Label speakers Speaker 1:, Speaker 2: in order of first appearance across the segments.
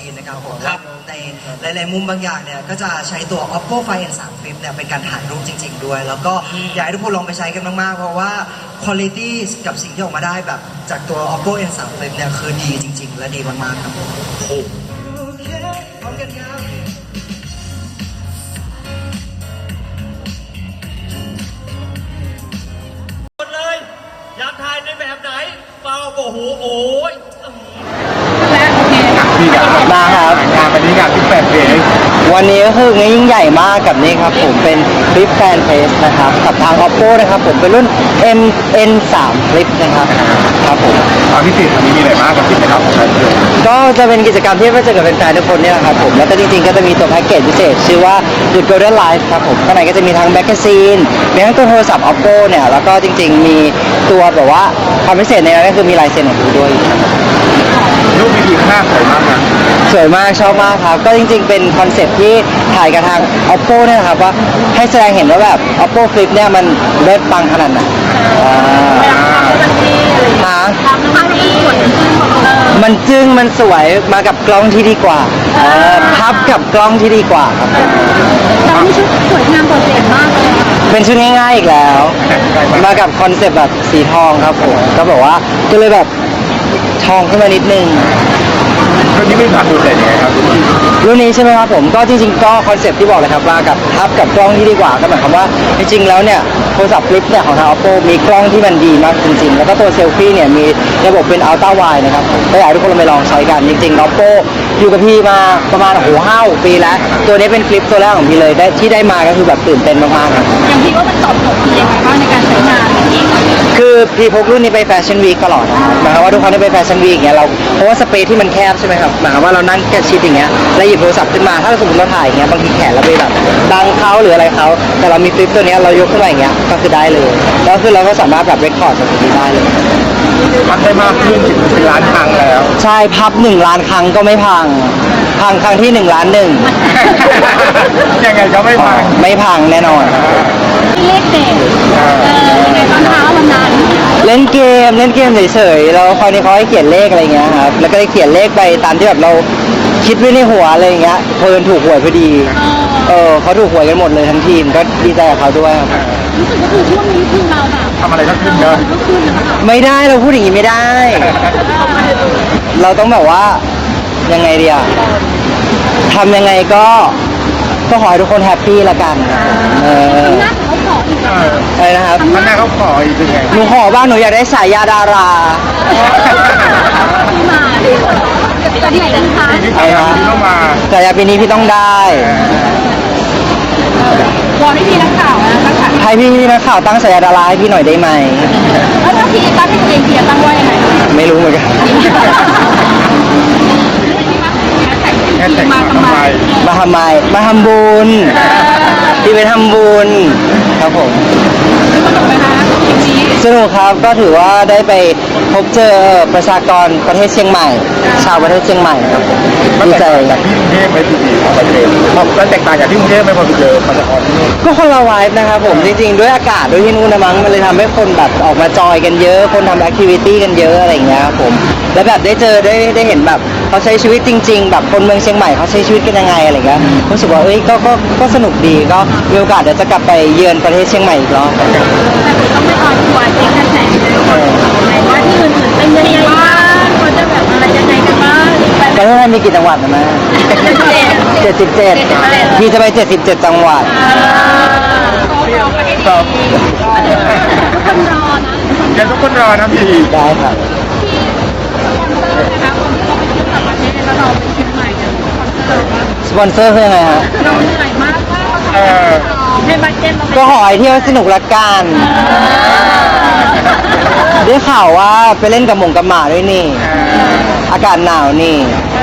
Speaker 1: ซีนนะครับผมในหลายๆมุมบางอย่างเนี่ยก็จะใช้ตัว Oppo Find N3 Flip เนี่ยเป็นการถ่ายรูปจริงๆด้วยแล้วก็อยากให้ทุกคนลองไปใช้กันมากๆเพราะว่า quality กับสิ่งที่ออกมาได้แบบจากตัว Oppo N3 Flip เนี่ยคือดีจริงๆและดีมากๆครับผมโอเคพร้อมกันครับ
Speaker 2: เลยอยากถ่ายในแบบไหนเปล่าโอ้โหโอ้ย
Speaker 3: พี่ครับมาครับงานวันนี้งานที่แฟนเพจวันนี้ก็คือยิ่งใหญ่มากกับนี่ครับผมเป็นคลิปแฟนเพจนะครับกับทาง Oppo นะครับผมเป็นรุ่น MN3 คลิปนะครับครับผมความพิเศษวันนี้มีอะไรบ้างกับกิจกรรมของแฟนเพจก็จะเป็นกิจกรรมที่จะเกิดเป็นแฟนทุกคนเนี่ยครับผมแล้วก็จริงๆก็จะมีตัวแพ็กเกจพิเศษชื่อว่า The Golden Life ครับผมข้างในก็จะมีทั้งแมกกาซีนมีทั้งตัวโทรศัพท์ Oppo เนี่ยแล้วก็จริงๆมีตัวแบบว่าความพิเศษในนั้นก็คือมีลายเซ็นของคุณด้วยรูปวิดีโอหน้าสวยมากนะสวยมากชอบมากครับก็จริงๆเป็นคอนเซ็ปต์ที่ถ่ายกับทาง Oppo เนี่ยนะครับว่าให้แสดงเห็นว่าแบบ Oppo Flip เนี่ยมันเลิศปังขนาดไหนมันจึ้งมันสวยมากับกล้องที่ดีกว่าพับกับกล้องที่ดีกว่าครับ
Speaker 4: แต่นี่ชุดสวยงามโดดเด่นมากเลย
Speaker 3: เป็นชุดง่ายๆอีกแล้วมากับคอนเซ็ปต์แบบสีทองครับผมก็บอกว่าก็เลยแบบทองขึ้นมานิดนึงรุ่นนี้มีความโดดเด่นยังไงครับรุ่นนี้ใช่ไหมครับผมก็จริงๆก็คอนเซ็ปต์ที่บอกเลยครับว่ากับพับกับกล้องที่ดีกว่าก็หมายความว่าจริงๆแล้วเนี่ยโทรศัพท์ฟลิปเนี่ยของทาง Oppo มีกล้องที่มันดีมากจริงๆแล้วก็ตัวเซลฟี่เนี่ยมีระบบเป็น Ultra Wide นะครับก็อยากให้ทุกคนไปลองใช้กันจริงๆ Oppo อยู่กับพี่มาประมาณ5-6 ปีแล้วตัวนี้เป็นฟลิปตัวแรกของพี่เลยที่ได้มาก็คือแบบตื่นเต้นมากๆครับ
Speaker 4: อย่างพี่ว่ามันตอบโจทย์พี่ยังไงบ้างในการใช้งานอย่างนี้
Speaker 3: คือพี่พกรุ่นนี้ไปแฟชั่นวีคตลอดนะครับหมายความว่าทุกครั้งที่ไปแฟชั่นวีคอย่างเงี้ยเราเพราะว่าสเปซที่มันแคบใช่ไหมครับหมายความว่าเรานั่งแค่ชิดอย่างเงี้ยแล้วหยิบโทรศัพท์ขึ้นมาถ้าสมมติเราถ่ายอย่างเงี้ยบางทีแขนเราไปแบบบังเขาหรืออะไรเขาแต่เรามีฟลิปตัวเนี้ยเรายกขึ้นมาอย่างเงี้ยก็คือได้เลยแล้วคือเราก็สามารถแบบเรคคอร์ดจากตรงนี้ได้เลยพับได้มากขึ้นถึงเป็นล้านครั้งแล้วใช่พับ1 ล้านครั้งก็ไม่พังครั้งที่1 ล้าน 1ยังไงก็ไม่พังแน่นอน
Speaker 4: เลขเด็ดยังไงบ้างคะวันนั้น
Speaker 3: เล่นเกมเฉยๆแล้วคราวนี้เขาให้เขียนเลขอะไรเงี้ยครับแล้วก็ได้เขียนเลขไปตามที่แบบเราคิดไว้ในหัวอะไรเงี้ยเพิ่นถูกหวยพอดีเขาถูกหวยกันหมดเลยทั้งทีมก็ดีใจกับเขาด้วยครับ
Speaker 4: รู้สึกว่าคือช่วงนี้คือเราแบบ
Speaker 3: ทำอะไรก็ขึ้นเยอะไม่ได้เราพูดอย่างนี้ไม่ได้เราต้องแบบว่ายังไงดีอะทำยังไงก็ขอให้ทุกคนแฮปปี้ละกัน
Speaker 4: หน้าเขาขออีก
Speaker 3: อะไรนะครับหน้าเขาขออีกยังไงหนูขอบ้างหนูอยากได้สายยาดารา
Speaker 4: มาจะดีจังคะ
Speaker 3: สายยาปีนี้พี่ต้องได้
Speaker 4: วอนให้พี่นักข่าวนะ
Speaker 3: ให้พี่นักข่าวตั้งสายยาดาราให้พี่หน่อยได้ไหม
Speaker 4: แล้วถ้าพี่ตั้งให้ตัวเองพี่จะตั้งว่ายังไง
Speaker 3: ไม่รู้เหมือนกันมาทำไมมาทำบุญที่ไปทำบุญครับผมสนุกครับก็ถือว่าได้ไปพบเจอประชากรประเทศเชียงใหม่ชาวประเทศเชียงใหม่ครับดีใจจากที่กรุงเทพไม่ดีประเทศมันแตกต่างจากที่กรุงเทพไม่พอไปเจอประชากรที่นู่นก็คนละไวฟ์นะครับผมจริงๆด้วยอากาศด้วยที่นู่นนะมั้งมันเลยทำให้คนแบบออกมาจอยกันเยอะคนทำแอคทิวิตี้กันเยอะอะไรอย่างเงี้ยครับผมแล้วแบบได้เจอได้เห็นแบบเขาใช้ชีวิตจริงๆแบบคนเมืองเชียงใหม่เขาใช้ชีวิตกันยังไงอะไรเงี้ยรู้สึกว่าก็สนุกดีก็มีโอกาสเดี๋ยวจะกลับไปเยือนประเทศเชียงใหม่อีกรอบ
Speaker 4: แต่ต้องไม่ออนทัวร์เช็คกระแสเลยว่าที่อื่นๆเป็นยังไงบ้างเขาจะแบบอะไรยังไงกันบ้าง
Speaker 3: ประเทศไทยมีกี่จังหวัดนะแม่77พี่จะไป77จังหวัดทุกคนรอนะพี่ได้ครับสปอนเซอร์คือยังไงฮะ
Speaker 4: เราเหนื่อยมากในบัตเจ็ต
Speaker 3: ก็ขอให้เที่ยวสนุกละกันได้ข่าวว่าไปเล่นกับหม่าด้วยนี่อากาศหนาวนี่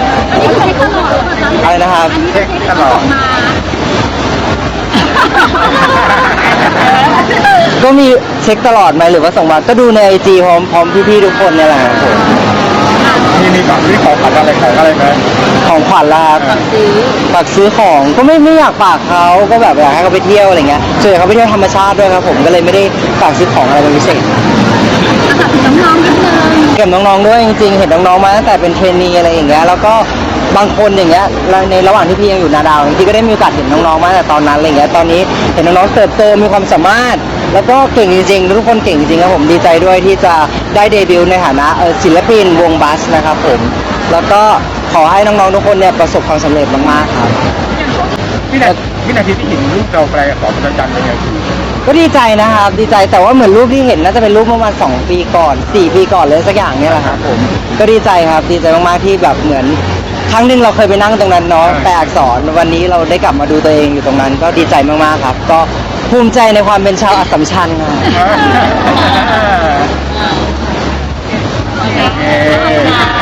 Speaker 3: อะไรนะครับเช็คตลอดก็มีเช็คตลอดไหมหรือว่าส่งมาก็ดูในIGพร้อมพี่ๆทุกคนเนี่ยแหละครับผมมีของที่ของขวัญอะไรไหมของขวัญล่ะฝากซื้อของก็ไม่อยากฝากเขาก็แบบอยากให้เขาไปเที่ยวอะไรเงี้ยส่วนใหญ่เขาไปเที่ยวธรรมชาติด้วยครับผมก็เลยไม่ได้ฝากซื้อของอะไรเป็นพิเศษ
Speaker 4: น้องๆนิดนึง
Speaker 3: เก็บน้องๆด้วยจริงๆเห็นน้องๆมาตั้งแต่เป็นเทรนนีอะไรอย่างเงี้ยแล้วก็บางคนอย่างเงี้ยในระหว่างที่พี่ยังอยู่นาดาวพี่ก็ได้มีโอกาสเห็นน้องๆมาตั้งแต่ตอนนั้นอะไรเงี้ยตอนนี้เห็นน้องๆเติบโตมีความสามารถ แล้วก็เก่งจริงๆทุกคนเก่งจริงครับผมดีใจด้วยที่จะได้เดบิวต์ในฐานะศิลปินวงบัสนะครับผมแล้วก็ขอให้น้องๆทุกคนเนี่ยประสบความสำเร็จมากๆครับ
Speaker 5: วินาทีที่เห็นรูปเราไปขอพระจันทร์เป็นไงคือ
Speaker 3: ก็ดีใจนะครับดีใจแต่ว่าเหมือนรูปที่เห็นน่าจะเป็นรูปเมื่อประมาณ2 ปีก่อน4 ปีก่อนเลยสักอย่างเนี่ยแหละครับผมก็ดีใจครับดีใจมากๆที่แบบเหมือนครั้งหนึ่งเราเคยไปนั่งตรงนั้นเนาะแปลอักษรวันนี้เราได้กลับมาดูตัวเองอยู่ตรงนั้น ก็ดีใจมากๆครับ ก็ภูมิใจในความเป็นชาวอัสสัมชัญครับ
Speaker 5: โอเค